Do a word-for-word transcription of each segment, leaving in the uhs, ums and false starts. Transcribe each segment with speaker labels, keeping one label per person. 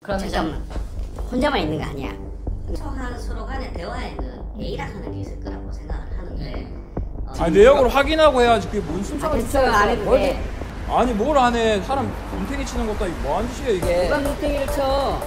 Speaker 1: 잠깐만, 혼자만 있는 거 아니야. 소한 서로 간의 대화에는 예의라 하는 게 있을 거라고 생각을 하는데 어,
Speaker 2: 아니 내역을 확인하고 해야지. 그게 뭔 순서가
Speaker 1: 아, 됐어요. 안 해도 돼.
Speaker 2: 아니 뭘 안 해. 사람 눈탱이 치는 것도 아니고 뭐하는 짓이야 이게.
Speaker 1: 누가 눈탱이를 쳐?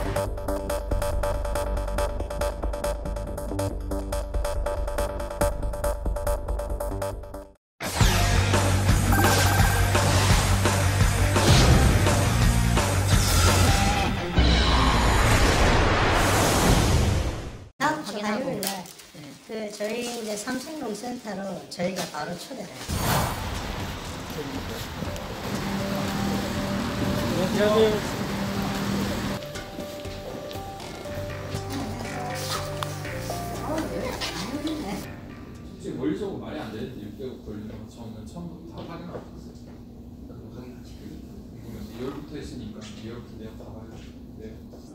Speaker 3: 다음 주 화요일 날 그 저희 이제 삼성동 센터로 저희가 바로 초대를 해요.
Speaker 2: 솔직히 멀리서 보고 말이 안 되는데 육백억 걸리는 거 처음에 처음부터 다 확인하고 있었어요. 확인하지. 궁금해서 이월부터 했으니까 이월부터 내가 다 봐요. 네.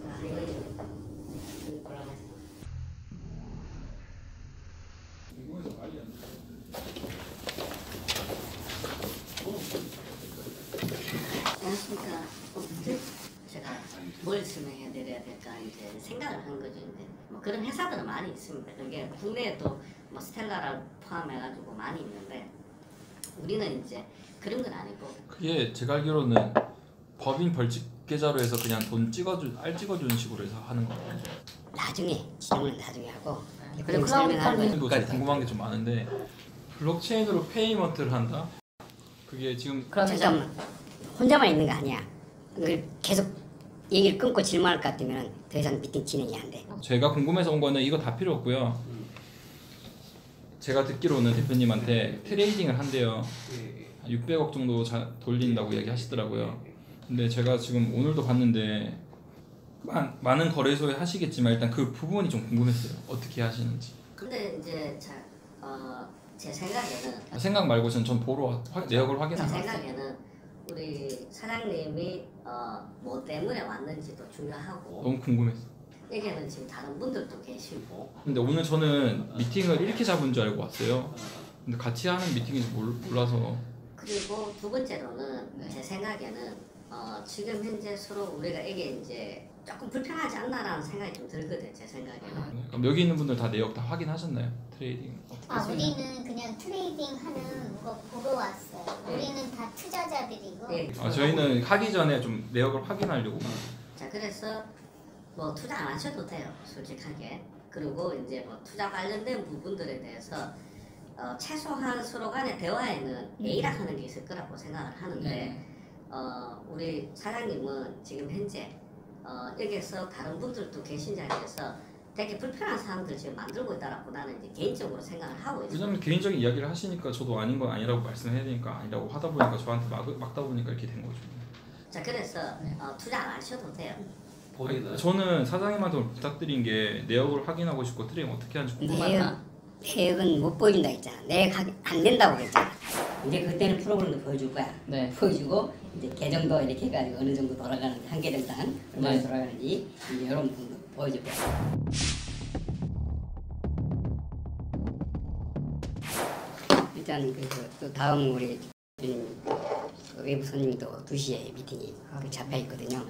Speaker 2: 궁금해서 말이 안 돼.
Speaker 1: 안녕하십니까. 제가 뭘 설명해 드려야 될까 이제 생각을 한 거죠. 이제 뭐 그런 회사들은 많이 있습니다. 그게 국내에도 뭐 스텔라를 포함해가지고 많이 있는데 우리는 이제 그런 건 아니고.
Speaker 2: 그게 제가 알기로는 법인 벌칙 계좌로 해서 그냥 돈 찍어준 알 찍어주는 식으로 해서 하는 거예요.
Speaker 1: 나중에 질문 나중에 하고
Speaker 3: 그래,
Speaker 1: 그럼 설명하는
Speaker 2: 또
Speaker 1: 거예요.
Speaker 2: 궁금한 게 좀 많은데 블록체인으로 페이먼트를 한다? 그게 지금
Speaker 1: 잠깐만, 혼자만 있는 거 아니야. 그 계속 얘기를 끊고 질문할 것 같으면 더 이상 미팅 진행이 안 돼.
Speaker 2: 제가 궁금해서 온 거는 이거 다 필요 없고요. 제가 듣기로는 대표님한테 트레이딩을 한대요. 육백억 정도 자, 돌린다고 이야기하시더라고요. 근데 제가 지금 오늘도 봤는데 많, 많은 거래소에 하시겠지만 일단 그 부분이 좀 궁금했어요. 어떻게 하시는지.
Speaker 1: 근데 이제 자, 어, 제 생각에는
Speaker 2: 생각 말고 전, 전 보러 화, 내역을
Speaker 1: 제
Speaker 2: 확인하고
Speaker 1: 생각에는 우리 사장님이 어, 뭐 때문에 왔는지도 중요하고
Speaker 2: 너무 궁금했어.
Speaker 1: 여기는 지금 다른 분들도 계시고.
Speaker 2: 근데 오늘 저는 미팅을 이렇게 잡은 줄 알고 왔어요. 근데 같이 하는 미팅인지 몰, 몰라서.
Speaker 1: 그리고 두 번째로는 제 생각에는 어, 지금 현재 서로 우리가 이게 이제 조금 불편하지 않나라는 생각이 좀 들거든. 제 생각에는.
Speaker 2: 네, 그럼 여기 있는 분들 다 내역 다 확인하셨나요? 트레이딩.
Speaker 4: 아, 우리는 그냥 트레이딩 하는 거 보러 왔어요.
Speaker 1: 네.
Speaker 4: 우리는 다 투자자들이고.
Speaker 1: 네.
Speaker 2: 아, 저희는 하기 전에 좀 내역을 확인하려고.
Speaker 1: 자, 그래서 뭐 투자 안 하셔도 돼요, 솔직하게. 그리고 이제 뭐 투자 관련된 부분들에 대해서 어, 최소한 서로 간의 대화에는 예의라 하는 게 있을 거라고 생각을 하는데
Speaker 3: 네.
Speaker 1: 어, 우리 사장님은 지금 현재 어, 여기서 다른 분들도 계신 자리에서 되게 불편한 사람들 지금 만들고 있다라고 나는 이제 개인적으로 생각을 하고 있어요.
Speaker 2: 왜냐면 개인적인 이야기를 하시니까 저도 아닌 건 아니라고 말씀해야 되니까 아니라고 하다 보니까 저한테 막, 막다 보니까 이렇게 된 거죠.
Speaker 1: 자, 그래서 어, 투자 안 하셔도 돼요.
Speaker 2: 아니, 저는 사장님한테 오늘 부탁드린 게 내역을 확인하고 싶고 트레이딩 어떻게 하는지 궁금해요.
Speaker 1: 내역, 내역은 못 보여준다 했잖아. 내역 하기 안 된다고 그랬잖아. 이제 그때는 프로그램도 보여줄 거야.
Speaker 3: 네.
Speaker 1: 보여주고 이제 계정도 이렇게 해가지고 어느 정도 돌아가는지 한 계정당 얼마나
Speaker 3: 네.
Speaker 1: 돌아가는지 이제 이런 부분도 보여줄 거야. 일단 그, 또 다음 우리 대표님 그 외부 손님도 두 시에 미팅이 그 잡혀 있거든요.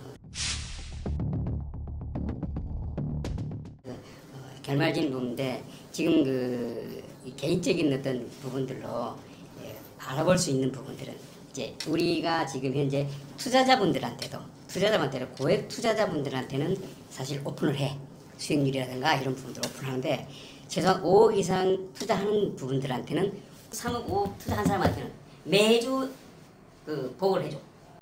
Speaker 1: 결말진 부분인데 지금 그 개인적인 어떤 부분들로 예, 알아볼 수 있는 부분들은 이제 우리가 지금 현재 투자자분들한테도 투자자분한테는 고액 투자자분들한테는 사실 오픈을 해. 수익률이라든가 이런 부분들 오픈하는데 최소한 오억 이상 투자하는 부분들한테는 삼억 오억 투자한 사람한테는 매주 그 보고를 해줘.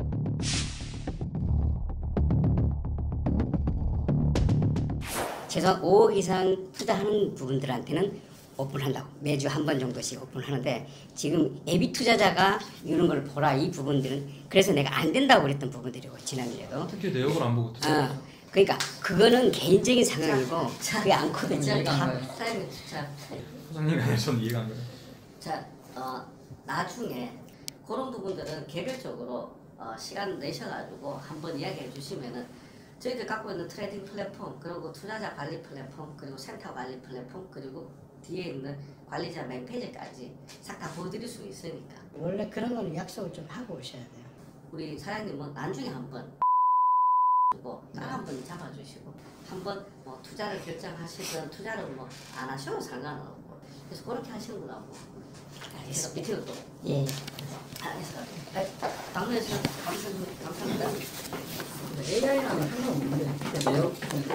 Speaker 1: 최소한 오억 이상 투자하는 부분들한테는 오픈한다고 매주 한 번 정도씩 오픈하는데 지금 예비 투자자가 이런 걸 보라 이 부분들은 그래서 내가 안 된다고 그랬던 부분들이고 지난주에도
Speaker 2: 특히 내역을 안 보고 투자.
Speaker 1: 어, 그러니까 그거는 개인적인 상황이고
Speaker 3: 자,
Speaker 1: 그게 않거든요.
Speaker 3: 자, 이해가 안
Speaker 1: 다-
Speaker 3: 가요.
Speaker 1: 사장님, 자,
Speaker 2: 사장님이 아니라 저는 이해가 안 가요.
Speaker 1: 자, 어, 나중에 그런 부분들은 개별적으로 어, 시간 내셔가지고 한번 이야기해 주시면은 저희들 갖고 있는 트레이딩 플랫폼 그리고 투자자 관리 플랫폼 그리고 센터 관리 플랫폼 그리고 뒤에 있는 관리자 홈페이지까지 싹 다 보여드릴 수 있으니까.
Speaker 3: 원래 그런 거는 약속을 좀 하고 오셔야 돼요.
Speaker 1: 우리 사장님은 나중에 한번 주고 딱한번 잡아주시고 한번 뭐 투자를 결정하시든 투자를 뭐 안 하셔도 상관없고 그래서 그렇게 하시는 거라고. 그래서 밑에도 또 예. 그래서 당면에서 감사합니다.
Speaker 3: 에이아이라는 상관없는데 왜요?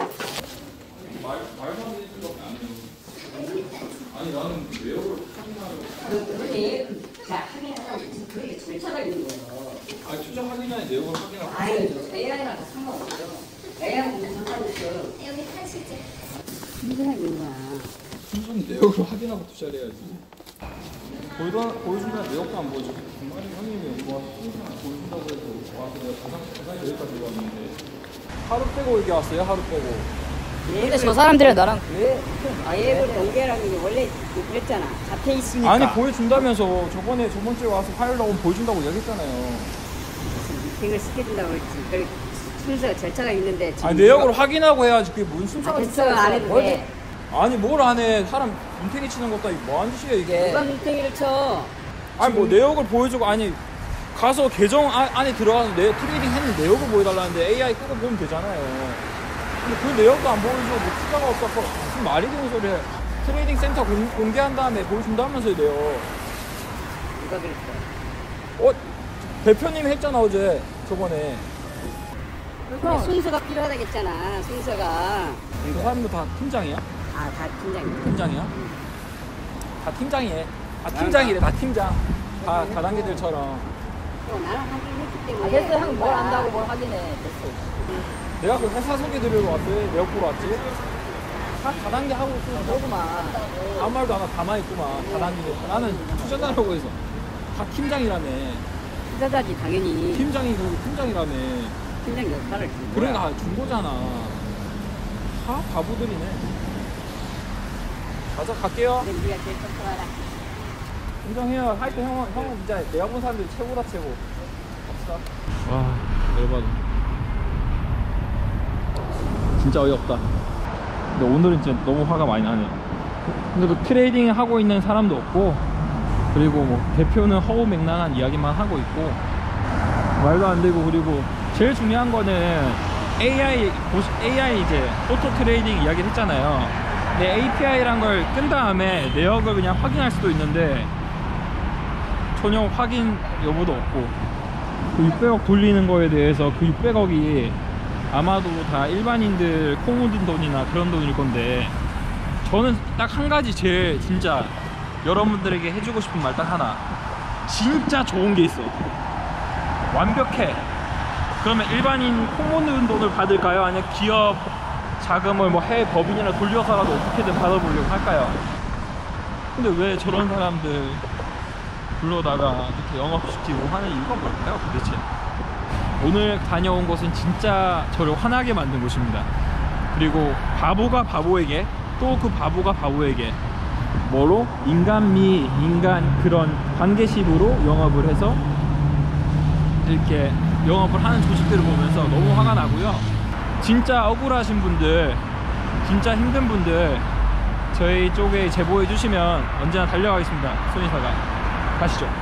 Speaker 2: 말 말만 해주는 것도 안 해요. 아니 나는 외역을 확인하려고.
Speaker 1: 그게 자 확인하고 그게 절차가 있는 거예요.
Speaker 2: 아니 투자 확인 전에 내역을 확인하고.
Speaker 1: 아유 에이아이랑 상관없어요. 에이아이는 상관없어요.
Speaker 4: 여기 타시죠.
Speaker 1: 문제가 있는 거야.
Speaker 2: 순순히 내역을 확인하고 투자를 해야지. 보여다 보여준다 내역도 안 보여주고 정말 형님이 뭐 항상 보여준다고 해서 와서 내가 가상 가상 여기까지 왔는데 하루 빼고 여기 왔어요. 하루 빼고.
Speaker 5: 근데 저 사람들은 나랑
Speaker 1: 왜? 아, 예를 동계라는 게 원래 그랬잖아. 잡혀 있으니까.
Speaker 2: 아니 보여준다면서 저번에 저번 주에 와서 화요일 나오면 보여준다고 얘기했잖아요.
Speaker 1: 미팅을 시켜준다고 그랬지. 그 순서 절차가 있는데.
Speaker 2: 아니 내역을 확인하고 해야지 그게 무슨 순서가
Speaker 1: 절차가 안 해도 돼.
Speaker 2: 아니 뭘 안 해. 사람 인테리 치는 것도 아니고 뭐하는 짓이야 이게.
Speaker 1: 누가 민탱이를 쳐?
Speaker 2: 아니 뭐 내역을 보여주고 아니 가서 계정 아, 안에 들어가서 내 트레이딩 했는 내역을 보여달라는데 에이아이 끄고 보면 되잖아요. 근데 그 내역도 안 보여주고 뭐 투자가 없어서 무슨 말이 되는 소리야. 트레이딩 센터 공, 공개한 다음에 보여준다면서요 내역.
Speaker 1: 누가 그랬어?
Speaker 2: 어? 대표님이 했잖아 어제 저번에.
Speaker 1: 근데 순서가 필요하다겠잖아. 순서가.
Speaker 2: 그 사람도 다 팀장이야?
Speaker 1: 아, 다 팀장이야.
Speaker 2: 팀장이야? 다 팀장이에. 다 팀장이래 다 팀장. 다 다단계들처럼.
Speaker 1: 또 나랑 확인했기
Speaker 5: 아,
Speaker 1: 때문에.
Speaker 5: 됐어 형 뭘 안다고 뭘 확인해 됐어.
Speaker 2: 내가 그 회사 소개 드리러 왔어요. 내역 보러 왔지. 다 다단계 하고 있어.
Speaker 5: 그러구만.
Speaker 2: 아무 말도 안 하고 가만히 있구만. 다단계. 나는 투자자라고 해서. 다 팀장이라며.
Speaker 1: 투자자지, 당연히.
Speaker 2: 팀장이 그 팀장이라며.
Speaker 1: 팀장 역할을 준 거야.
Speaker 2: 그러니까 준 거잖아. 다 바보들이네. 가자 갈게요.
Speaker 1: 근데 네가 제일 똑똑하다.
Speaker 2: 인정해요. 하여튼 형은 형은 진짜 내가 본 사람들 최고다 최고. 갑시다. 와 열받아. 진짜 어이없다. 근데 오늘은 진짜 너무 화가 많이 나네. 근데 그 트레이딩 하고 있는 사람도 없고, 그리고 뭐 대표는 허우맹랑한 이야기만 하고 있고 말도 안 되고, 그리고 제일 중요한 거는 에이아이 에이아이 이제 오토 트레이딩 이야기를 했잖아요. 근데 에이피아이란 걸 끈 다음에 내역을 그냥 확인할 수도 있는데 전혀 확인 여부도 없고, 그 육백억 돌리는 거에 대해서 그 육백억이 아마도 다 일반인들 코 묻은 돈이나 그런 돈일 건데, 저는 딱 한 가지 제일 진짜 여러분들에게 해주고 싶은 말 딱 하나. 진짜 좋은 게 있어. 완벽해. 그러면 일반인 코 묻은 돈을 받을까요? 아니면 기업 자금을 뭐 해외 법인이나 돌려서라도 어떻게든 받아보려고 할까요? 근데 왜 저런 사람들 불러다가 이렇게 영업시키고 하는 이유가 뭘까요 도대체? 오늘 다녀온 곳은 진짜 저를 화나게 만든 곳입니다. 그리고 바보가 바보에게, 또 그 바보가 바보에게 뭐로? 인간미, 인간 그런 관계식으로 영업을 해서 이렇게 영업을 하는 조직들을 보면서 너무 화가 나고요. 진짜 억울하신 분들, 진짜 힘든 분들 저희 쪽에 제보해 주시면 언제나 달려가겠습니다. 손이사가 가시죠.